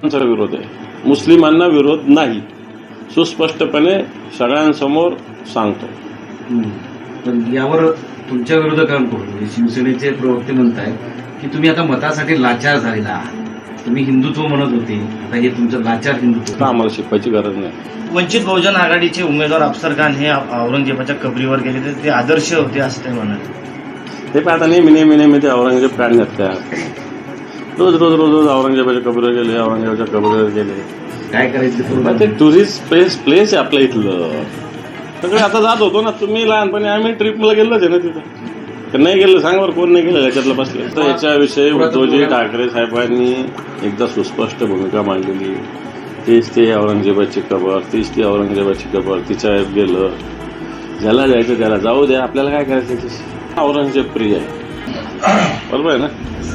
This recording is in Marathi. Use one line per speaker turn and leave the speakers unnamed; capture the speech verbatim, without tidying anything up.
विरोध आहे, मुस्लिमांना विरोध नाही, सुस्पष्टपणे सगळ्यांसमोर सांगतो.
पण यावर तुमच्या विरोधकांकडून म्हणजे शिवसेनेचे प्रवक्ते म्हणताय की तुम्ही आता मतासाठी लाचार झालेला आहात. तुम्ही हिंदुत्व म्हणत होते, आता हे तुमचं लाचार हिंदुत्व.
आम्हाला शिकवायची गरज नाही.
वंचित बहुजन आघाडीचे उमेदवार अफसर खान हे औरंगजेबाच्या कबरीवर गेले तर ते आदर्श होते असं ते म्हणाले.
ते पण आता नेहमी नेहमी नेहमी ते औरंगजेब काढण्यात त्या रोज रोज रोज रोज औरंगजेबाच्या कबरीवर गेले, औरंगजेबाच्या कबरीवर गेले.
काय करायचं
मग ते टुरिस्ट प्लेस प्लेस आहे आपल्या इथलं. सगळे आता जात होतो ना, तुम्ही लहानपणी आम्ही ट्रिपला गेलोच आहे ना तिथं. नाही गेलं सांग बरं, कोण नाही गेलं याच्यातलं बसले. तर याच्याविषयी उद्धवजी ठाकरे साहेबांनी एकदा सुस्पष्ट भूमिका मांडलेली. तीच ते औरंगजेबाची कबर, तीच ती औरंगजेबाची कबर, तिच्या गेलं. ज्याला जायचं त्याला जाऊ द्या, आपल्याला काय करायचं. औरंगजेब प्रिय आहे, बरोबर आहे ना.